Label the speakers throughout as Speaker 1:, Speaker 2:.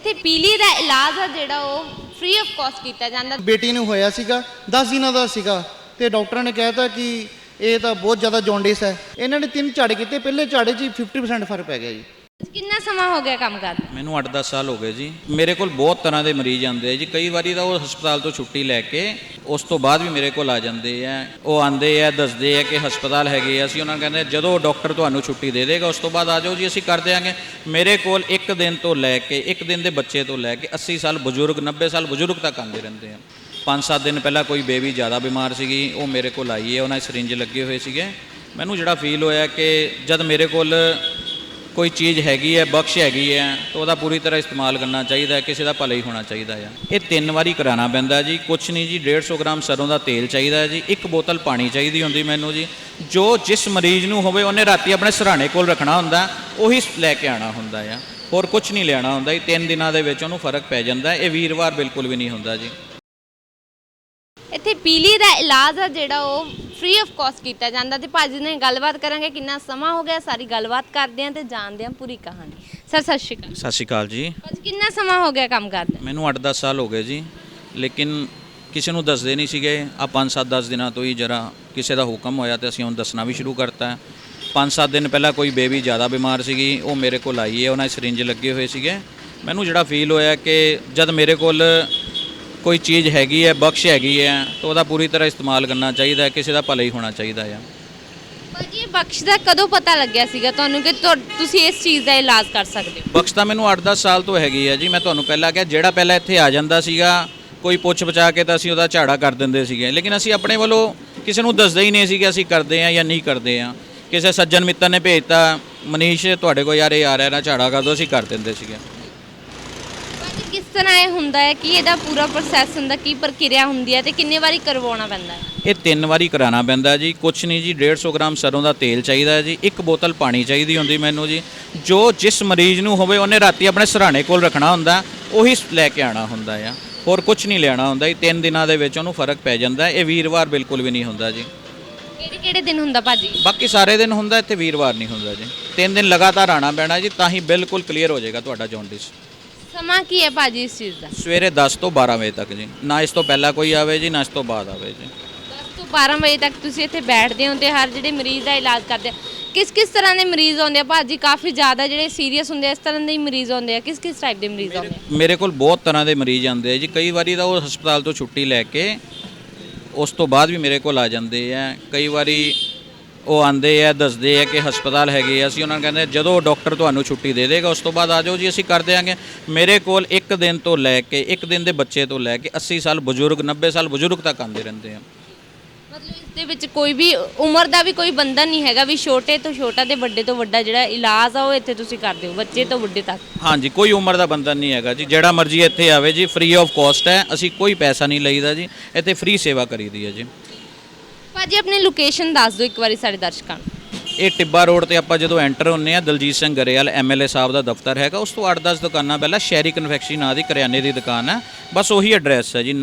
Speaker 1: ਇੱਥੇ ਪੀਲੀ ਦਾ ਇਲਾਜ ਆ ਜਿਹੜਾ ਉਹ ਫ੍ਰੀ ਆਫ ਕਾਸਟ ਕੀਤਾ ਜਾਂਦਾ।
Speaker 2: ਬੇਟੀ ਨੂੰ ਹੋਇਆ ਸੀਗਾ 10 ਦਿਨਾਂ ਦਾ ਸੀਗਾ ਤੇ ਡਾਕਟਰਾਂ ਨੇ ਕਹਿਤਾ ਕਿ ਇਹ ਤਾਂ ਬਹੁਤ ਜ਼ਿਆਦਾ ਜੌਂਡਿਸ ਹੈ। ਇਹਨਾਂ ਨੇ 3 ਝਾੜੇ ਕੀਤੇ, ਪਹਿਲੇ ਝਾੜੇ 'ਚ 50% ਫਰਕ ਪੈ ਗਿਆ ਜੀ।
Speaker 1: ਕਿੰਨਾ ਸਮਾਂ ਹੋ ਗਿਆ ਕੰਮ ਕਰਦੇ?
Speaker 3: ਮੈਨੂੰ 8-10 ਸਾਲ ਹੋ ਗਏ ਜੀ। ਮੇਰੇ ਕੋਲ ਬਹੁਤ ਤਰ੍ਹਾਂ ਦੇ ਮਰੀਜ਼ ਆਉਂਦੇ ਆ ਜੀ। ਕਈ ਵਾਰੀ ਤਾਂ ਉਹ ਹਸਪਤਾਲ ਤੋਂ ਛੁੱਟੀ ਲੈ ਕੇ ਉਸ ਤੋਂ ਬਾਅਦ ਵੀ ਮੇਰੇ ਕੋਲ ਆ ਜਾਂਦੇ ਆ। ਉਹ ਆਉਂਦੇ ਆ, ਦੱਸਦੇ ਆ ਕਿ ਹਸਪਤਾਲ ਹੈਗੇ ਆ। ਅਸੀਂ ਉਹਨਾਂ ਨੂੰ ਕਹਿੰਦੇ ਜਦੋਂ ਡਾਕਟਰ ਤੁਹਾਨੂੰ ਛੁੱਟੀ ਦੇ ਦੇਗਾ ਉਸ ਤੋਂ ਬਾਅਦ ਆ ਜਾਓ ਜੀ, ਅਸੀਂ ਕਰ ਦਿਆਂਗੇ। ਮੇਰੇ ਕੋਲ 1 ਦਿਨ ਤੋਂ ਲੈ ਕੇ 1 ਦਿਨ ਦੇ ਬੱਚੇ ਤੋਂ ਲੈ ਕੇ 80 ਸਾਲ ਬਜ਼ੁਰਗ, 90 ਸਾਲ ਬਜ਼ੁਰਗ ਤੱਕ ਆਉਂਦੇ ਰਹਿੰਦੇ ਆ। 5-7 ਦਿਨ ਪਹਿਲਾਂ ਕੋਈ ਬੇਬੀ ਜ਼ਿਆਦਾ ਬਿਮਾਰ ਸੀਗੀ, ਉਹ ਮੇਰੇ ਕੋਲ ਆਈ ਹੈ। ਉਹਨਾਂ ਦੇ ਸਰਿੰਜ ਲੱਗੇ ਹੋਏ ਸੀਗੇ। ਮੈਨੂੰ ਜਿਹੜਾ ਫੀਲ ਹੋਇਆ ਕਿ ਜਦ ਮੇਰੇ ਕੋਲ ਕੋਈ ਚੀਜ਼ ਹੈਗੀ ਹੈ, ਬਖਸ਼ ਹੈਗੀ ਹੈ, ਤਾਂ ਉਹਦਾ ਪੂਰੀ ਤਰ੍ਹਾਂ ਇਸਤੇਮਾਲ ਕਰਨਾ ਚਾਹੀਦਾ ਹੈ। ਕਿਸੇ ਦਾ ਭਲਾ ਹੀ ਹੋਣਾ ਚਾਹੀਦਾ ਹੈ। ਇਹ 3 ਵਾਰੀ ਕਰਾਉਣਾ ਪੈਂਦਾ ਜੀ। ਕੁਛ ਨਹੀਂ ਜੀ, 150 ਗ੍ਰਾਮ ਸਰੋਂ ਦਾ ਤੇਲ ਚਾਹੀਦਾ ਹੈ ਜੀ। 1 ਬੋਤਲ ਪਾਣੀ ਚਾਹੀਦੀ ਹੁੰਦੀ ਮੈਨੂੰ ਜੀ। ਜੋ ਜਿਸ ਮਰੀਜ਼ ਨੂੰ ਹੋਵੇ ਉਹਨੇ ਰਾਤੀ ਆਪਣੇ ਸਿਰਹਾਣੇ ਕੋਲ ਰੱਖਣਾ ਹੁੰਦਾ, ਉਹੀ ਲੈ ਕੇ ਆਉਣਾ ਹੁੰਦਾ ਆ। ਹੋਰ ਕੁਛ ਨਹੀਂ ਲੈਣਾ ਹੁੰਦਾ ਜੀ। 3 ਦਿਨਾਂ ਦੇ ਵਿੱਚ ਉਹਨੂੰ ਫਰਕ ਪੈ ਜਾਂਦਾ। ਇਹ ਵੀਰਵਾਰ ਬਿਲਕੁਲ ਵੀ ਨਹੀਂ ਹੁੰਦਾ ਜੀ।
Speaker 1: ਇੱਥੇ ਪੀਲੀ ਦਾ ਇਲਾਜ ਆ ਜਿਹੜਾ ਉਹ ਫ੍ਰੀ ਆਫ ਕਾਸਟ ਕੀਤਾ ਜਾਂਦਾ ਤੇ ਭਾਜੀ ਨੇ ਗੱਲਬਾਤ ਕਰਾਂਗੇ ਕਿੰਨਾ ਸਮਾਂ ਹੋ ਗਿਆ, ਸਾਰੀ ਗੱਲਬਾਤ ਕਰਦੇ ਆਂ ਤੇ ਜਾਣਦੇ ਆਂ ਪੂਰੀ ਕਹਾਣੀ। ਸਰ ਸਤਿ ਸ਼੍ਰੀ ਅਕਾਲ।
Speaker 3: ਸਤਿ ਸ਼੍ਰੀ ਅਕਾਲ ਜੀ।
Speaker 1: ਭਾਜੀ ਕਿੰਨਾ ਸਮਾਂ ਹੋ ਗਿਆ ਕੰਮ ਕਰਦੇ?
Speaker 3: ਮੈਨੂੰ 8-10 ਸਾਲ ਹੋ ਗਏ ਜੀ, ਲੇਕਿਨ ਕਿਸੇ ਨੂੰ ਦੱਸਦੇ ਨਹੀਂ ਸੀਗੇ। ਆ 5-7-10 ਦਿਨਾਂ ਤੋਂ ਹੀ ਜਰਾ ਕਿਸੇ ਦਾ ਹੁਕਮ ਹੋਇਆ ਤੇ ਅਸੀਂ ਹੁਣ ਦੱਸਣਾ ਵੀ ਸ਼ੁਰੂ ਕਰਤਾ। 5-7 ਦਿਨ ਪਹਿਲਾਂ ਕੋਈ ਬੇਬੀ ਜ਼ਿਆਦਾ ਬਿਮਾਰ ਸੀਗੀ, ਉਹ ਮੇਰੇ ਕੋਲ ਆਈ ਹੈ। ਉਹਨਾਂ ਦੇ ਸਰਿੰਜ ਲੱਗੇ ਹੋਏ ਸੀਗੇ। ਮੈਨੂੰ ਜਿਹੜਾ ਫੀਲ ਹੋਇਆ ਕਿ ਜਦ ਮੇਰੇ ਕੋਲ ਕੋਈ ਚੀਜ਼ ਹੈਗੀ ਹੈ, ਬਖਸ਼ ਹੈਗੀ ਹੈ, ਤਾਂ ਉਹਦਾ ਪੂਰੀ ਤਰ੍ਹਾਂ ਇਸਤੇਮਾਲ ਕਰਨਾ ਚਾਹੀਦਾ ਹੈ। ਕਿਸੇ ਦਾ ਭਲਾ ਹੀ ਹੋਣਾ ਚਾਹੀਦਾ ਆ।
Speaker 1: ਭਾਜੀ ਇਹ ਬਖਸ਼ ਦਾ ਕਦੋਂ ਪਤਾ ਲੱਗਿਆ ਸੀਗਾ ਤੁਹਾਨੂੰ ਕਿ ਤੁਸੀਂ ਇਸ ਚੀਜ਼ ਦਾ ਇਲਾਜ ਕਰ ਸਕਦੇ ਹੋ?
Speaker 3: ਬਖਸ਼ ਤਾਂ ਮੈਨੂੰ 8-10 ਸਾਲ ਤੋਂ ਹੈਗੀ ਹੈ ਜੀ। ਮੈਂ ਤੁਹਾਨੂੰ ਪਹਿਲਾਂ ਕਿਹਾ, ਜਿਹੜਾ ਪਹਿਲਾਂ ਇੱਥੇ ਆ ਜਾਂਦਾ ਸੀਗਾ ਕੋਈ ਪੁੱਛ ਬਚਾ ਕੇ ਤਾਂ ਅਸੀਂ ਉਹਦਾ ਝਾੜਾ ਕਰ ਦਿੰਦੇ ਸੀਗੇ, ਲੇਕਿਨ ਅਸੀਂ ਆਪਣੇ ਵੱਲੋਂ ਕਿਸੇ ਨੂੰ ਦੱਸਦੇ ਹੀ ਨਹੀਂ ਸੀ ਕਿ ਅਸੀਂ ਕਰਦੇ ਹਾਂ ਜਾਂ ਨਹੀਂ ਕਰਦੇ ਹਾਂ। ਕਿਸੇ ਸੱਜਣ ਮਿੱਤਰ ਨੇ ਭੇਜਤਾ, ਮਨੀਸ਼ ਤੁਹਾਡੇ ਕੋਲ ਯਾਰ ਇਹ ਆ ਰਿਹਾ ਨਾ, ਝਾੜਾ ਕਰ ਦਿਓ, ਅਸੀਂ ਕਰ ਦਿੰਦੇ ਸੀਗੇ।
Speaker 1: ਕਿਸ ਤਰ੍ਹਾਂ ਇਹ ਹੁੰਦਾ ਹੈ ਕਿ ਇਹਦਾ ਪੂਰਾ ਪ੍ਰੋਸੈਸ ਹੁੰਦਾ, ਕੀ ਪ੍ਰਕਿਰਿਆ ਹੁੰਦੀ ਹੈ ਤੇ ਕਿੰਨੇ ਵਾਰੀ ਕਰਵਾਉਣਾ ਪੈਂਦਾ ਹੈ?
Speaker 3: ਇਹ 3 ਵਾਰੀ ਕਰਾਉਣਾ ਪੈਂਦਾ ਜੀ। ਕੁਛ ਨਹੀਂ ਜੀ, 150 ਗ੍ਰਾਮ ਸਰੋਂ ਦਾ ਤੇਲ ਚਾਹੀਦਾ ਜੀ। 1 ਬੋਤਲ ਪਾਣੀ ਚਾਹੀਦੀ ਹੁੰਦੀ ਮੈਨੂੰ ਜੀ। ਜੋ ਜਿਸ ਮਰੀਜ਼ ਨੂੰ ਹੋਵੇ ਉਹਨੇ ਰਾਤੀ ਆਪਣੇ ਸਿਰਹਾਣੇ ਕੋਲ ਰੱਖਣਾ ਹੁੰਦਾ, ਉਹੀ ਲੈ ਕੇ ਆਉਣਾ ਹੁੰਦਾ ਆ। ਹੋਰ ਕੁਛ ਨਹੀਂ ਲੈਣਾ ਹੁੰਦਾ ਜੀ। 3 ਦਿਨਾਂ ਦੇ ਵਿੱਚ ਉਹਨੂੰ ਫਰਕ ਪੈ ਜਾਂਦਾ। ਇਹ ਵੀਰਵਾਰ ਬਿਲਕੁਲ ਵੀ ਨਹੀਂ ਹੁੰਦਾ ਜੀ।
Speaker 1: ਕਿਹੜੇ ਦਿਨ ਹੁੰਦਾ ਭਾਜੀ?
Speaker 3: ਬਾਕੀ ਸਾਰੇ ਦਿਨ ਹੁੰਦਾ, ਇੱਥੇ ਵੀਰਵਾਰ ਨਹੀਂ ਹੁੰਦਾ ਜੀ। 3 ਦਿਨ ਲਗਾਤਾਰ ਆਉਣਾ ਪੈਣਾ ਜੀ, ਤਾਂ ਹੀ ਬਿਲਕੁਲ ਕਲੀਅਰ ਹੋ ਜਾਏਗਾ ਤੁਹਾਡਾ ਜੌਂਡਿਸ।
Speaker 1: ਸਮਾਂ ਕੀ ਹੈ ਭਾਜੀ ਇਸ ਚੀਜ਼ ਦਾ?
Speaker 3: ਸਵੇਰੇ 10 ਤੋਂ 12 ਵਜੇ ਤੱਕ ਜੀ। ਨਾ ਇਸ ਤੋਂ ਪਹਿਲਾਂ ਕੋਈ ਆਵੇ ਜੀ, ਨਾ ਇਸ ਤੋਂ ਬਾਅਦ ਆਵੇ ਜੀ।
Speaker 1: 10 ਤੋਂ 12 ਵਜੇ ਤੱਕ ਤੁਸੀਂ ਇੱਥੇ ਬੈਠਦੇ ਹੋ ਤੇ ਹਰ ਜਿਹੜੇ ਮਰੀਜ਼ ਦਾ ਇਲਾਜ ਕਰਦੇ ਆ। ਕਿਸ ਤਰ੍ਹਾਂ ਦੇ ਮਰੀਜ਼ ਆਉਂਦੇ ਆ ਭਾਜੀ? ਕਾਫੀ ਜ਼ਿਆਦਾ ਜਿਹੜੇ ਸੀਰੀਅਸ ਹੁੰਦੇ ਆ, ਇਸ ਤਰ੍ਹਾਂ ਦੇ ਹੀ ਮਰੀਜ਼ ਆਉਂਦੇ ਆ? ਕਿਸ ਟਾਈਪ ਦੇ ਮਰੀਜ਼ ਆਉਂਦੇ ਆ?
Speaker 3: ਮੇਰੇ ਕੋਲ ਬਹੁਤ ਤਰ੍ਹਾਂ ਦੇ ਮਰੀਜ਼ ਆਉਂਦੇ ਆ ਜੀ। ਕਈ ਵਾਰੀ ਤਾਂ ਉਹ ਹਸਪਤਾਲ ਤੋਂ ਛੁੱਟੀ ਲੈ ਕੇ ਉਸ ਤੋਂ ਬਾਅਦ ਵੀ ਮੇਰੇ ਕੋਲ ਆ ਜਾਂਦੇ ਆ। ਕਈ ਵਾਰੀ ਉਹ ਆਉਂਦੇ ਆ, ਦੱਸਦੇ ਆ ਕਿ ਹਸਪਤਾਲ ਹੈਗੇ ਆ। ਅਸੀਂ ਉਹਨਾਂ ਨੂੰ ਕਹਿੰਦੇ ਜਦੋਂ ਡਾਕਟਰ ਤੁਹਾਨੂੰ ਛੁੱਟੀ ਦੇ ਦੇਗਾ ਉਸ ਤੋਂ ਬਾਅਦ ਆ ਜਾਓ ਜੀ, ਅਸੀਂ ਕਰ ਦਿਆਂਗੇ। ਮੇਰੇ ਕੋਲ 1 ਦਿਨ ਤੋਂ ਲੈ ਕੇ 1 ਦਿਨ ਦੇ ਬੱਚੇ ਤੋਂ ਲੈ ਕੇ 80 ਸਾਲ ਬਜ਼ੁਰਗ, 90 ਸਾਲ ਬਜ਼ੁਰਗ ਤੱਕ ਆਉਂਦੇ ਰਹਿੰਦੇ ਆ।
Speaker 1: ਮਤਲਬ ਇਸ ਦੇ ਵਿੱਚ ਕੋਈ ਵੀ ਉਮਰ ਦਾ ਵੀ ਕੋਈ ਬੰਧਨ ਨਹੀਂ ਹੈਗਾ ਵੀ ਛੋਟੇ ਤੋਂ ਛੋਟਾ ਤੇ ਵੱਡੇ ਤੋਂ ਵੱਡਾ ਜਿਹੜਾ ਇਲਾਜ ਆ ਉਹ ਇੱਥੇ ਤੁਸੀਂ ਕਰਦੇ ਹੋ, ਬੱਚੇ ਤੋਂ ਵੱਡੇ ਤੱਕ?
Speaker 3: ਹਾਂਜੀ, ਕੋਈ ਉਮਰ ਦਾ ਬੰਧਨ ਨਹੀਂ ਹੈਗਾ ਜੀ। ਜਿਹੜਾ ਮਰਜ਼ੀ ਇੱਥੇ ਆਵੇ ਜੀ, ਫ੍ਰੀ ਆਫ ਕਾਸਟ ਹੈ। ਅਸੀਂ ਕੋਈ ਪੈਸਾ ਨਹੀਂ ਲਈਦਾ ਜੀ। ਇੱਥੇ ਫ੍ਰੀ ਸੇਵਾ ਕਰੀਦੀ ਹੈ ਜੀ।
Speaker 1: ਭਾਜੀ ਆਪਣੀ ਲੋਕੇਸ਼ਨ ਦੱਸ ਦਿਓ ਇੱਕ ਵਾਰੀ ਸਾਡੇ ਦਰਸ਼ਕਾਂ ਨੂੰ।
Speaker 3: ਇਹ ਟਿੱਬਾ ਰੋਡ ਤੇ ਆਪਾਂ ਜਦੋਂ ਐਂਟਰ ਹੁੰਨੇ ਆ, ਦਲਜੀਤ ਸਿੰਘ ਗਰੇਵਾਲ MLA ਸਾਹਿਬ ਦਾ ਦਫ਼ਤਰ ਹੈਗਾ। ਉਸ ਤੋਂ 8-10 ਦੁਕਾਨਾਂ ਪਹਿਲਾਂ ਸ਼ਹਿਰੀ ਕਨਫੈਕਸ਼ਨਰੀ ਨਾਂ ਦੀ ਕਰਿਆਨੇ ਦੀ ਦੁਕਾਨ ਹੈ। ਬਸ ਉਹੀ ਐਡਰੈਸ ਹੈ ਜੀ।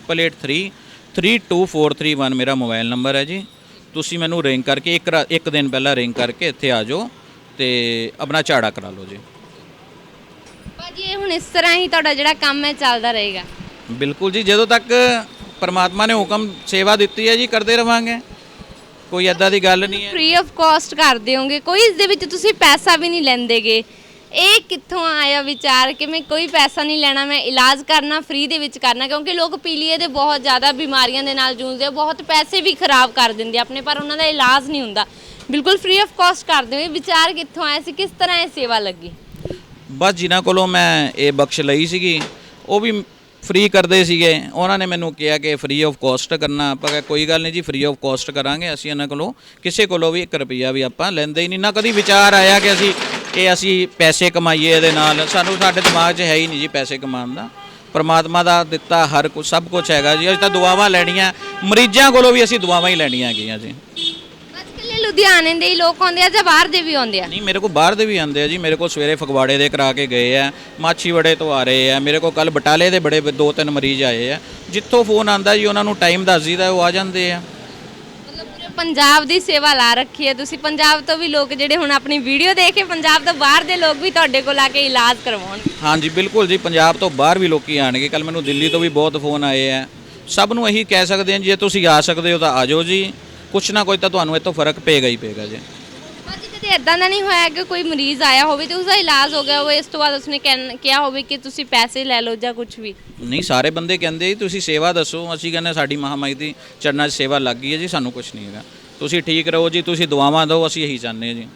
Speaker 3: 9888332431 ਮੇਰਾ ਮੋਬਾਈਲ ਨੰਬਰ ਹੈ ਜੀ। ਤੁਸੀਂ ਮੈਨੂੰ ਰਿੰਗ ਕਰਕੇ ਇੱਕ ਦਿਨ ਪਹਿਲਾਂ ਰਿੰਗ ਕਰਕੇ ਇੱਥੇ ਆ ਜਾਓ ਤੇ ਆਪਣਾ ਝਾੜਾ ਕਰਾ ਲਓ ਜੀ।
Speaker 1: ਭਾਜੀ ਇਹ ਹੁਣ ਇਸ ਤਰ੍ਹਾਂ ਹੀ ਤੁਹਾਡਾ ਜਿਹੜਾ ਕੰਮ ਹੈ ਚੱਲਦਾ ਰਹੇਗਾ?
Speaker 3: ਬਿਲਕੁਲ ਜੀ, ਜਦੋਂ ਤੱਕ ਪਰਮਾਤਮਾ ਨੇ ਹੁਕਮ ਸੇਵਾ ਦਿੱਤੀ ਹੈ ਜੀ, ਕਰਦੇ ਰਵਾਂਗੇ। ਕੋਈ ਐਦਾਂ ਦੀ ਗੱਲ ਨਹੀਂ ਹੈ।
Speaker 1: ਫ੍ਰੀ ਆਫ ਕਾਸਟ ਕਰਦੇ ਹੋਗੇ, ਕੋਈ ਇਸ ਦੇ ਵਿੱਚ ਤੁਸੀਂ ਪੈਸਾ ਵੀ ਨਹੀਂ ਲੈਂਦੇਗੇ। ਇਹ ਕਿੱਥੋਂ ਆਇਆ ਵਿਚਾਰ ਕਿ ਮੈਂ ਕੋਈ ਪੈਸਾ ਨਹੀਂ ਲੈਣਾ, ਮੈਂ ਇਲਾਜ ਕਰਨਾ ਫ੍ਰੀ ਦੇ ਵਿੱਚ ਕਰਨਾ? ਕਿਉਂਕਿ ਲੋਕ ਪੀਲੀਏ ਦੇ ਬਹੁਤ ਜ਼ਿਆਦਾ ਬਿਮਾਰੀਆਂ ਦੇ ਨਾਲ ਜੂਝਦੇ ਆ, ਬਹੁਤ ਪੈਸੇ ਵੀ ਖਰਾਬ ਕਰ ਦਿੰਦੇ ਆਪਣੇ, ਪਰ ਉਹਨਾਂ ਦਾ ਇਲਾਜ ਨਹੀਂ ਹੁੰਦਾ। ਬਿਲਕੁਲ ਫ੍ਰੀ ਆਫ ਕਾਸਟ ਕਰਦੇ ਹੋ। ਵਿਚਾਰ ਕਿੱਥੋਂ ਆਇਆ ਸੀ, ਕਿਸ ਤਰ੍ਹਾਂ ਇਹ ਸੇਵਾ ਲੱਗੀ?
Speaker 3: ਬਸ ਜਿਨ੍ਹਾਂ ਕੋਲੋਂ ਮੈਂ ਇਹ ਬਖਸ਼ ਲਈ ਸੀਗੀ, ਉਹ ਵੀ ਫ੍ਰੀ ਕਰਦੇ ਸੀਗੇ। ਉਹਨਾਂ ਨੇ ਮੈਨੂੰ ਕਿਹਾ ਕਿ ਫ੍ਰੀ ਆਫ ਕਾਸਟ ਕਰਨਾ। ਆਪਾਂ ਕਿਹਾ ਕੋਈ ਗੱਲ ਨਹੀਂ ਜੀ, ਫ੍ਰੀ ਆਫ ਕਾਸਟ ਕਰਾਂਗੇ। ਅਸੀਂ ਇਹਨਾਂ ਕੋਲੋਂ ਕਿਸੇ ਕੋਲੋਂ ਵੀ 1 ਰੁਪਈਆ ਵੀ ਆਪਾਂ ਲੈਂਦੇ ਹੀ ਨਹੀਂ। ਨਾ ਕਦੀ ਵਿਚਾਰ ਆਇਆ ਕਿ ਅਸੀਂ ਪੈਸੇ ਕਮਾਈਏ ਇਹਦੇ ਨਾਲ। ਸਾਡੇ ਦਿਮਾਗ 'ਚ ਹੈ ਹੀ ਨਹੀਂ ਜੀ ਪੈਸੇ ਕਮਾਉਣ ਦਾ। ਪਰਮਾਤਮਾ ਦਾ ਦਿੱਤਾ ਹਰ ਕੁਝ, ਸਭ ਕੁਝ ਹੈਗਾ ਜੀ। ਅਸੀਂ ਤਾਂ ਦੁਆਵਾਂ ਲੈਣੀਆਂ, ਮਰੀਜ਼ਾਂ ਕੋਲੋਂ ਵੀ ਅਸੀਂ ਦੁਆਵਾਂ ਹੀ ਲੈਣੀਆਂ ਹੈਗੀਆਂ ਜੀ।
Speaker 1: ਲੁਧਿਆਣੇ ਦੇ ਹੀ ਲੋਕ ਆਉਂਦੇ ਆ ਜਾਂ ਬਾਹਰ ਦੇ ਵੀ ਆਉਂਦੇ ਆ?
Speaker 3: ਨਹੀਂ, ਮੇਰੇ ਕੋਲ ਬਾਹਰ ਦੇ ਵੀ ਆਉਂਦੇ ਆ ਜੀ। ਮੇਰੇ ਕੋਲ ਸਵੇਰੇ ਫਗਵਾੜੇ ਦੇ ਕਰਾ ਕੇ ਗਏ ਆ, ਮਾਛੀਵਾੜੇ ਤੋਂ ਆ ਰਹੇ ਆ। ਮੇਰੇ ਕੋਲ ਕੱਲ ਬਟਾਲੇ ਦੇ ਬੜੇ 2-3 ਮਰੀਜ਼ ਆਏ ਆ। ਜਿੱਥੋਂ ਫੋਨ ਆਉਂਦਾ ਜੀ ਉਹਨਾਂ ਨੂੰ ਟਾਈਮ ਦੱਸ ਦਈਦਾ, ਉਹ ਆ ਜਾਂਦੇ ਆ।
Speaker 1: ਮਤਲਬ ਪੂਰੇ ਪੰਜਾਬ ਦੀ ਸੇਵਾ ਲਾ ਰੱਖੀ ਹੈ ਤੁਸੀਂ। ਪੰਜਾਬ ਤੋਂ ਵੀ ਲੋਕ ਜਿਹੜੇ ਹੁਣ ਆਪਣੀ ਵੀਡੀਓ ਦੇਖ ਕੇ ਪੰਜਾਬ ਤੋਂ ਬਾਹਰ ਦੇ ਲੋਕ ਵੀ ਤੁਹਾਡੇ ਕੋਲ ਆ ਕੇ ਇਲਾਜ ਕਰਵਾਉਣ।
Speaker 3: ਹਾਂਜੀ ਬਿਲਕੁਲ ਜੀ, ਪੰਜਾਬ ਤੋਂ ਬਾਹਰ ਵੀ ਲੋਕੀ ਆਣਗੇ। ਕੱਲ ਮੈਨੂੰ ਦਿੱਲੀ ਤੋਂ ਵੀ ਬਹੁਤ ਫੋਨ ਆਏ ਆ। ਸਭ ਨੂੰ ਇਹੀ ਕਹਿ ਸਕਦੇ ਹਾਂ, ਜੇ ਤੁਸੀਂ ਆ ਸਕਦੇ ਹੋ ਤਾਂ ਆ ਜਾਓ ਜੀ, ਕੁਛ ਨਾ ਕੋਈ ਤਾਂ ਤੁਹਾਨੂੰ ਇੱਥੋਂ ਫਰਕ ਪਏਗਾ ਹੀ ਪਏਗਾ ਜੀ।
Speaker 1: ਭਾਜੀ ਕਦੇ ਇਦਾਂ ਦਾ ਨਹੀਂ ਹੋਇਆ ਕਿ ਕੋਈ ਮਰੀਜ਼ ਆਇਆ ਹੋਵੇ ਤੇ ਉਸਦਾ ਇਲਾਜ ਹੋ ਗਿਆ ਹੋਵੇ, ਇਸ ਤੋਂ ਬਾਅਦ ਉਸਨੇ ਕਿਹਾ ਹੋਵੇ ਕਿ ਤੁਸੀਂ ਪੈਸੇ ਲੈ ਲਓ ਜਾਂ ਕੁਝ ਵੀ?
Speaker 3: ਨਹੀਂ, ਸਾਰੇ ਬੰਦੇ ਕਹਿੰਦੇ ਜੀ ਤੁਸੀਂ ਸੇਵਾ ਦੱਸੋ। ਅਸੀਂ ਕਹਿੰਦੇ ਸਾਡੀ ਮਹਾਮਾਈ ਦੀ ਚਰਨਾਂ 'ਚ ਸੇਵਾ ਲੱਗ ਗਈ ਹੈ ਜੀ, ਸਾਨੂੰ ਕੁਛ ਨਹੀਂ ਹੈਗਾ, ਤੁਸੀਂ ਠੀਕ ਰਹੋ ਜੀ, ਤੁਸੀਂ ਦੁਆਵਾਂ ਦਿਓ, ਅਸੀਂ ਇਹੀ ਚਾਹੁੰਦੇ ਹਾਂ ਜੀ।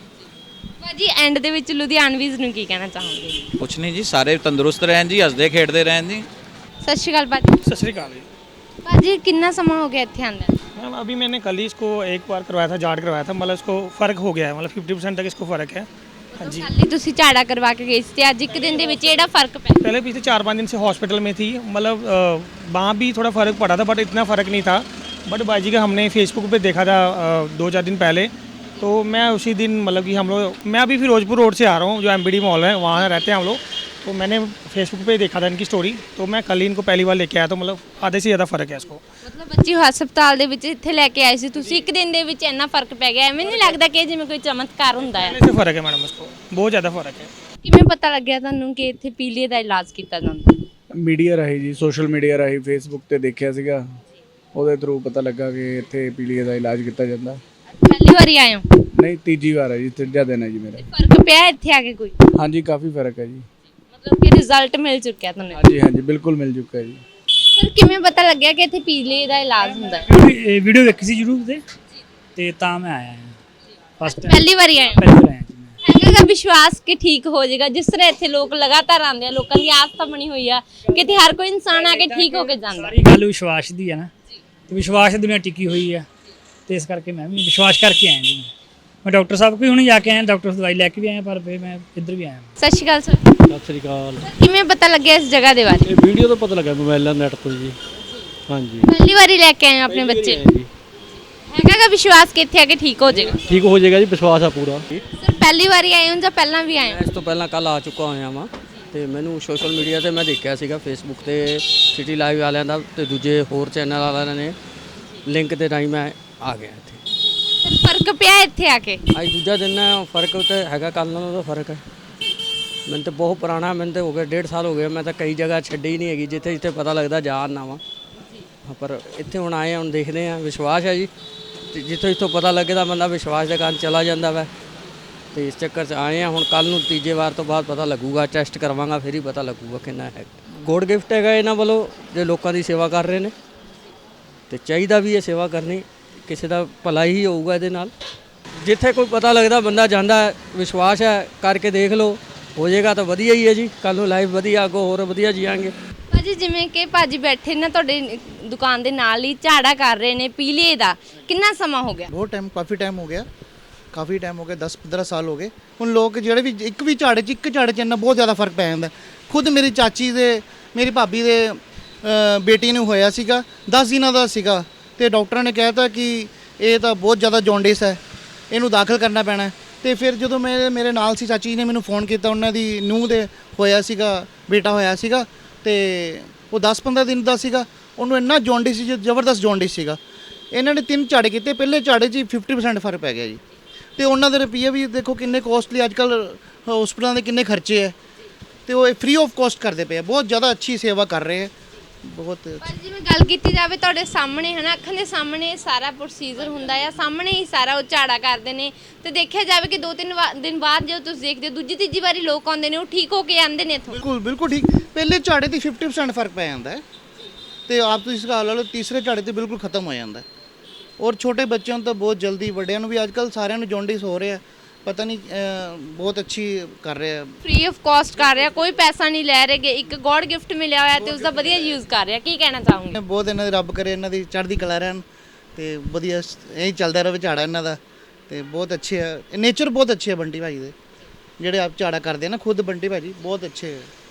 Speaker 1: ਭਾਜੀ ਐਂਡ ਦੇ ਵਿੱਚ ਲੁਧਿਆਣਵੀਜ਼ ਨੂੰ ਕੀ ਕਹਿਣਾ ਚਾਹੋਗੇ?
Speaker 3: ਕੁਛ ਨਹੀਂ ਜੀ, ਸਾਰੇ ਤੰਦਰੁਸਤ ਰਹਿਣ ਜੀ, ਹੱਸਦੇ ਖੇਡਦੇ ਰਹਿਣ ਜੀ।
Speaker 1: ਸਤਿ ਸ਼੍ਰੀ ਅਕਾਲ ਭਾਜੀ।
Speaker 4: सत श्रीकाल जी।
Speaker 1: ਭਾਜੀ ਕਿੰਨਾ ਸਮਾਂ ਹੋ ਗਿਆ ਇੱਥੇ ਆਂਦਾ?
Speaker 4: मैम अभी मैंने कल ही इसको एक बार करवाया था, जाट करवाया था, मतलब इसको फ़र्क हो गया है, मतलब 50% तक इसको फ़र्क है। हाँ जी,
Speaker 1: ਕੱਲ ਹੀ ਤੁਸੀਂ ਝਾੜਾ ਕਰਵਾ ਕੇ ਗਏ ਸੀ ਤੇ ਅੱਜ ਇੱਕ ਦਿਨ ਦੇ ਵਿੱਚ ਇਹਦਾ ਫਰਕ ਪਿਆ?
Speaker 4: पहले पिछले 4-5 दिन से हॉस्पिटल में थी, मतलब वहाँ भी थोड़ा फ़र्क पड़ा था, बट इतना फ़र्क नहीं था। बट बाजी का हमने फेसबुक पे देखा था 2-4 दिन पहले, तो मैं उसी दिन मतलब कि हम लोग, मैं अभी फिरोजपुर रोड से आ रहा हूँ, जो MBD मॉल है वहाँ रहते हैं हम लोग, तो मैंने फेसबुक पे देखा था इनकी स्टोरी, तो मैं कल ही इनको पहली बार लेके आया, तो मतलब आधे से ज़्यादा फ़र्क है इसको।
Speaker 1: ਮਤਲਬ ਬੱਚੀ ਹਸਪਤਾਲ ਦੇ ਵਿੱਚ ਇੱਥੇ ਲੈ ਕੇ ਆਏ ਸੀ ਤੁਸੀਂ, ਇੱਕ ਦਿਨ ਦੇ ਵਿੱਚ ਇੰਨਾ ਫਰਕ ਪੈ ਗਿਆ? ਐਵੇਂ ਨਹੀਂ ਲੱਗਦਾ ਕਿ ਜਿਵੇਂ ਕੋਈ ਚਮਤਕਾਰ ਹੁੰਦਾ ਹੈ?
Speaker 4: पहले से फ़र्क है मैडम, इसको बहुत ज़्यादा फ़र्क है।
Speaker 1: ਕਿਵੇਂ ਪਤਾ ਲੱਗਿਆ ਤੁਹਾਨੂੰ ਕਿ ਇੱਥੇ ਪੀਲੀਏ ਦਾ ਇਲਾਜ ਕੀਤਾ ਜਾਂਦਾ?
Speaker 5: ਮੀਡੀਆ ਰਾਹੀਂ ਜੀ, ਸੋਸ਼ਲ ਮੀਡੀਆ ਰਾਹੀਂ ਫੇਸਬੁੱਕ ਤੇ ਦੇਖਿਆ ਸੀਗਾ, ਉਹਦੇ ਥਰੂ ਪਤਾ ਲੱਗਾ ਕਿ ਇੱਥੇ ਪੀਲੀਏ ਦਾ ਇਲਾਜ ਕੀਤਾ ਜਾਂਦਾ।
Speaker 1: ਪਹਿਲੀ ਵਾਰੀ ਆਏ ਹੋ?
Speaker 5: ਨਹੀਂ, ਤੀਜੀ ਵਾਰ ਹੈ ਜੀ, ਤੀਜਾ ਦਿਨ ਹੈ ਜੀ ਮੇਰਾ।
Speaker 1: ਫਰਕ ਪਿਆ ਇੱਥੇ ਆ ਕੇ ਕੋਈ?
Speaker 5: ਹਾਂਜੀ, ਕਾਫੀ ਫਰਕ ਹੈ ਜੀ।
Speaker 1: ਮਤਲਬ ਕਿ ਰਿਜ਼ਲਟ ਮਿਲ ਚੁੱਕਿਆ ਤੁਹਾਨੂੰ?
Speaker 5: ਹਾਂਜੀ ਹਾਂਜੀ, ਬਿਲਕੁਲ ਮਿਲ ਚੁੱਕਾ ਹੈ ਜੀ।
Speaker 1: ਸਰ ਕਿਵੇਂ ਪਤਾ ਲੱਗਿਆ ਕਿ ਇੱਥੇ ਪੀਲੀਏ ਦਾ ਇਲਾਜ ਹੁੰਦਾ ਹੈ?
Speaker 6: ਇਹ ਵੀਡੀਓ ਵੇਖੀ ਸੀ YouTube ਤੇ ਤਾਂ ਮੈਂ ਆਇਆ ਹਾਂ। ਫਸਟ ਟਾਈਮ
Speaker 1: ਪਹਿਲੀ ਵਾਰੀ ਆਏ ਹੋ?
Speaker 6: ਪਹਿਲੀ ਵਾਰ ਆਇਆ ਜੀ ਮੈਂ।
Speaker 1: ਹੈਗਾ ਗਾ ਵਿਸ਼ਵਾਸ ਕਿ ਠੀਕ ਹੋ ਜਾਏਗਾ? ਜਿਸ ਤਰ੍ਹਾਂ ਇੱਥੇ ਲੋਕ ਲਗਾਤਾਰ ਆਉਂਦੇ ਆ, ਲੋਕਾਂ ਦੀ ਆਸਥਾ ਬਣੀ ਹੋਈ ਆ ਕਿ ਇੱਥੇ ਹਰ ਕੋਈ ਇਨਸਾਨ ਆ ਕੇ ਠੀਕ ਹੋ ਕੇ ਜਾਂਦਾ।
Speaker 6: ਸਾਰੀ ਗੱਲ ਵਿਸ਼ਵਾਸ ਦੀ ਹੈ ਨਾ, ਤੇ ਵਿਸ਼ਵਾਸ ਦੁਨੀਆ ਟਿਕੀ ਹੋਈ ਹੈ, ਤੇ ਇਸ ਕਰਕੇ ਮੈਂ ਵੀ ਵਿਸ਼ਵਾਸ ਕਰਕੇ ਆਇਆ ਜੀ। ਮੈਂ ਡਾਕਟਰ ਸਾਹਿਬ ਕੋਲ ਹੁਣੇ ਜਾ ਕੇ ਆਇਆ, ਡਾਕਟਰ ਤੋਂ ਦਵਾਈ ਲੈ ਕੇ ਵੀ ਆਇਆ, ਪਰ ਫਿਰ ਮੈਂ ਇੱਧਰ ਵੀ ਆਇਆ।
Speaker 1: ਸਤਿ ਸ਼੍ਰੀ ਅਕਾਲ ਸਰ।
Speaker 7: ਸਤਿ ਸ੍ਰੀ ਅਕਾਲ।
Speaker 1: ਕਿਵੇਂ ਪਤਾ ਲੱਗਿਆ ਇਸ ਜਗ੍ਹਾ ਦੇ ਬਾਰੇ?
Speaker 7: ਇਹ ਵੀਡੀਓ ਤੋਂ ਪਤਾ ਲੱਗਾ, ਮੋਬਾਈਲਾਂ ਨੈਟ ਤੋਂ ਜੀ। ਹਾਂਜੀ,
Speaker 1: ਪਹਿਲੀ ਵਾਰੀ ਲੈ ਕੇ ਆਏ ਹੋ ਆਪਣੇ ਬੱਚੇ ਨੂੰ?
Speaker 7: ਜੀ
Speaker 1: ਹੈਗਾ ਗਾ ਵਿਸ਼ਵਾਸ ਕਿ ਇੱਥੇ ਆ ਕੇ ਠੀਕ ਹੋ ਜਾਏਗਾ?
Speaker 7: ਠੀਕ ਹੋ ਜਾਏਗਾ ਜੀ, ਵਿਸ਼ਵਾਸ ਆ ਪੂਰਾ।
Speaker 1: ਸਰ ਪਹਿਲੀ ਵਾਰੀ ਆਏ ਹੋ ਜਾਂ ਪਹਿਲਾਂ ਵੀ ਆਏ ਹੋ?
Speaker 8: ਇਸ ਤੋਂ ਪਹਿਲਾਂ ਕੱਲ ਆ ਚੁੱਕਾ ਹੋਇਆ ਵਾਂ, ਤੇ ਮੈਨੂੰ ਸੋਸ਼ਲ ਮੀਡੀਆ ਤੇ ਮੈਂ ਦੇਖਿਆ ਸੀਗਾ, ਫੇਸਬੁੱਕ ਤੇ ਸਿਟੀ ਲਾਈਵ ਵਾਲਿਆਂ ਦਾ ਤੇ ਦੂਜੇ ਹੋਰ ਚੈਨਲ ਵਾਲਿਆਂ ਨੇ ਲਿੰਕ ਦੇ ਰਾਹੀਂ ਮੈਂ ਆ ਗਿਆ ਇੱਥੇ।
Speaker 1: ਸਰ ਫਰਕ ਪਿਆ ਇੱਥੇ ਆ ਕੇ?
Speaker 8: ਅੱਜ ਦੂਜਾ ਦਿਨ ਹੈ, ਫਰਕ ਤੇ ਹੈਗਾ, ਕੱਲ ਨਾਲੋਂ ਤਾਂ ਫਰਕ ਹੈ। ਮੈਨੂੰ ਤਾਂ ਬਹੁਤ ਪੁਰਾਣਾ, ਮੈਨੂੰ ਤਾਂ ਹੋ ਗਿਆ 1.5 ਸਾਲ ਹੋ ਗਏ, ਮੈਂ ਤਾਂ ਕਈ ਜਗ੍ਹਾ ਛੱਡੀ ਹੀ ਨਹੀਂ ਹੈਗੀ, ਜਿੱਥੇ ਜਿੱਥੇ ਪਤਾ ਲੱਗਦਾ ਜਾ ਆਉਂਦਾ ਵਾਂ, ਪਰ ਇੱਥੇ ਹੁਣ ਆਏ, ਹੁਣ ਦੇਖਦੇ ਹਾਂ। ਵਿਸ਼ਵਾਸ ਹੈ ਜੀ, ਤੇ ਜਿੱਥੋਂ ਜਿੱਥੋਂ ਪਤਾ ਲੱਗੇ ਤਾਂ ਬੰਦਾ ਵਿਸ਼ਵਾਸ ਦੇ ਕਾਰਨ ਚਲਾ ਜਾਂਦਾ ਵਾ, ਤੇ ਇਸ ਚੱਕਰ 'ਚ ਆਏ ਹਾਂ। ਹੁਣ ਕੱਲ ਨੂੰ ਤੀਜੇ ਵਾਰ ਤੋਂ ਬਾਅਦ ਪਤਾ ਲੱਗੂਗਾ, ਟੈਸਟ ਕਰਵਾਵਾਂਗਾ, ਫਿਰ ਹੀ ਪਤਾ ਲੱਗੂਗਾ ਕਿੰਨਾ ਹੈ। ਗੋਡ ਗਿਫਟ ਹੈਗਾ ਇਹਨਾਂ ਵੱਲੋਂ, ਜੇ ਲੋਕਾਂ ਦੀ ਸੇਵਾ ਕਰ ਰਹੇ ਨੇ, ਤੇ ਚਾਹੀਦਾ ਵੀ ਇਹ ਸੇਵਾ ਕਰਨੀ, ਕਿਸੇ ਦਾ ਭਲਾ ਹੀ ਹੋਊਗਾ ਇਹਦੇ ਨਾਲ। ਜਿੱਥੇ ਕੋਈ ਪਤਾ ਲੱਗਦਾ ਬੰਦਾ ਜਾਂਦਾ ਹੈ, ਵਿਸ਼ਵਾਸ ਹੈ, ਕਰਕੇ ਦੇਖ ਲਓ, ਹੋ ਜਾਏਗਾ ਤਾਂ ਵਧੀਆ ਹੀ ਹੈ ਜੀ। ਕੱਲ ਨੂੰ ਲਾਈਫ ਵਧੀਆ, ਅੱਗੋਂ ਹੋਰ ਵਧੀਆ ਜੀਵਾਂਗੇ।
Speaker 1: ਭਾਜੀ ਜਿਵੇਂ ਕਿ ਭਾਜੀ ਬੈਠੇ ਨਾ ਤੁਹਾਡੇ ਦੁਕਾਨ ਦੇ ਨਾਲ ਹੀ, ਝਾੜਾ ਕਰ ਰਹੇ ਨੇ ਪੀਲੀਏ ਦਾ, ਕਿੰਨਾ ਸਮਾਂ ਹੋ ਗਿਆ?
Speaker 2: ਬਹੁਤ ਟਾਈਮ, ਕਾਫੀ ਟਾਈਮ ਹੋ ਗਿਆ, 10-15 ਸਾਲ ਹੋ ਗਏ। ਹੁਣ ਲੋਕ ਜਿਹੜੇ ਵੀ ਇੱਕ ਝਾੜੇ 'ਚ ਇੰਨਾ ਬਹੁਤ ਜ਼ਿਆਦਾ ਫਰਕ ਪੈ ਜਾਂਦਾ। ਖੁਦ ਮੇਰੀ ਚਾਚੀ ਦੇ, ਮੇਰੀ ਭਾਬੀ ਦੇ ਬੇਟੀ ਨੂੰ ਹੋਇਆ ਸੀਗਾ, 10 ਦਿਨਾਂ ਦਾ ਸੀਗਾ, ਤੇ ਡਾਕਟਰਾਂ ਨੇ ਕਹਿਤਾ ਕਿ ਇਹ ਤਾਂ ਬਹੁਤ ਜ਼ਿਆਦਾ ਜੌਂਡਿਸ ਹੈ, ਇਹਨੂੰ ਦਾਖਲ ਕਰਨਾ ਪੈਣਾ। ਤੇ ਫਿਰ ਜਦੋਂ ਮੇਰੇ ਨਾਲ ਸੀ ਚਾਚੀ ਨੇ ਮੈਨੂੰ ਫੋਨ ਕੀਤਾ, ਉਹਨਾਂ ਦੀ ਨੂੰਹ ਦੇ ਹੋਇਆ ਸੀਗਾ, ਬੇਟਾ ਹੋਇਆ ਸੀਗਾ, ਤੇ ਉਹ 10-15 ਦਿਨ ਦਾ ਸੀਗਾ, ਉਹਨੂੰ ਇੰਨਾ ਜੌਂਡਿਸ ਸੀ, ਜ਼ਬਰਦਸਤ ਜੌਂਡਿਸ ਸੀਗਾ। ਇਹਨਾਂ ਨੇ 3 ਝਾੜੇ ਕੀਤੇ, ਪਹਿਲੇ ਝਾੜੇ 'ਚ 50% ਫਰਕ ਪੈ ਗਿਆ ਜੀ। ਤੇ ਉਹਨਾਂ ਦੇ ਰੁਪਈਏ ਵੀ ਦੇਖੋ ਕਿੰਨੇ ਕੋਸਟਲੀ, ਅੱਜ ਕੱਲ੍ਹ ਹਸਪਤਾਲਾਂ ਦੇ ਕਿੰਨੇ ਖਰਚੇ ਹੈ, ਤੇ ਉਹ ਫ੍ਰੀ ਆਫ ਕਾਸਟ ਕਰਦੇ ਪਏ ਆ। ਬਹੁਤ ਜ਼ਿਆਦਾ ਅੱਛੀ ਸੇਵਾ ਕਰ ਰਹੇ ਹੈ, ਬਹੁਤ।
Speaker 1: ਪਰ ਜਿਵੇਂ ਗੱਲ ਕੀਤੀ ਜਾਵੇ ਤੁਹਾਡੇ ਸਾਹਮਣੇ ਹੈ ਨਾ, ਅੱਖਾਂ ਦੇ ਸਾਹਮਣੇ ਸਾਰਾ ਪ੍ਰੋਸੀਜਰ ਹੁੰਦਾ ਆ, ਸਾਹਮਣੇ ਹੀ ਸਾਰਾ ਉਹ ਝਾੜਾ ਕਰਦੇ ਨੇ, ਤੇ ਦੇਖਿਆ ਜਾਵੇ ਕਿ 2-3 ਦਿਨ ਬਾਅਦ ਜਦੋਂ ਤੁਸੀਂ ਦੇਖਦੇ ਹੋ, ਦੂਜੀ ਤੀਜੀ ਵਾਰੀ ਲੋਕ ਆਉਂਦੇ ਨੇ, ਉਹ ਠੀਕ ਹੋ ਕੇ ਆਉਂਦੇ ਨੇ ਇੱਥੋਂ।
Speaker 2: ਬਿਲਕੁਲ ਠੀਕ। ਪਹਿਲੇ ਝਾੜੇ ਤੇ 50% ਫਰਕ ਪੈ ਜਾਂਦਾ ਹੈ, ਤੇ ਆਪ ਤੁਸੀਂ ਇਸ ਗੱਲ ਲਾ ਲਓ, ਤੀਸਰੇ ਝਾੜੇ ਤੇ ਬਿਲਕੁਲ ਖਤਮ ਹੋ ਜਾਂਦਾ। ਔਰ ਛੋਟੇ ਬੱਚਿਆਂ ਨੂੰ ਤਾਂ ਬਹੁਤ ਜਲਦੀ, ਵੱਡਿਆਂ ਨੂੰ ਵੀ ਅੱਜ ਕੱਲ੍ਹ ਸਾਰਿਆਂ ਨੂੰ ਜੌਂਡਿਸ ਹੋ ਰਿਹਾ, ਪਤਾ ਨਹੀਂ, ਬਹੁਤ ਅੱਛੀ ਕਰ ਰਿਹਾ।
Speaker 1: ਫ੍ਰੀ ਆਫ ਕਾਸਟ ਕਰ ਰਿਹਾ, ਕੋਈ ਪੈਸਾ ਨਹੀਂ ਲੈ ਰਹੇਗੇ, ਇੱਕ ਗੋਡ ਗਿਫਟ ਮਿਲਿਆ ਹੋਇਆ ਤੇ ਉਸ ਦਾ ਵਧੀਆ ਯੂਜ਼ ਕਰ ਰਿਹਾ। ਕੀ ਕਹਿਣਾ ਚਾਹੋਗੇ?
Speaker 2: ਬਹੁਤ ਇਹਨਾਂ ਦੀ ਰੱਬ ਕਰੇ ਇਹਨਾਂ ਦੀ ਚੜ੍ਹਦੀ ਕਲਾ ਰਹਿਣ, ਤੇ ਵਧੀਆ ਇਹੀ ਚੱਲਦਾ ਰਹੇ ਝਾੜਾ ਇਹਨਾਂ ਦਾ, ਤੇ ਬਹੁਤ ਅੱਛੇ ਆ। ਨੇਚਰ ਬਹੁਤ ਅੱਛੇ ਆ ਬੰਟੀ ਭਾਜੀ ਦੇ, ਜਿਹੜੇ ਆਪ ਝਾੜਾ ਕਰਦੇ ਆ ਨਾ, ਖੁਦ ਬੰਟੀ ਭਾਜੀ ਬਹੁਤ ਅੱਛੇ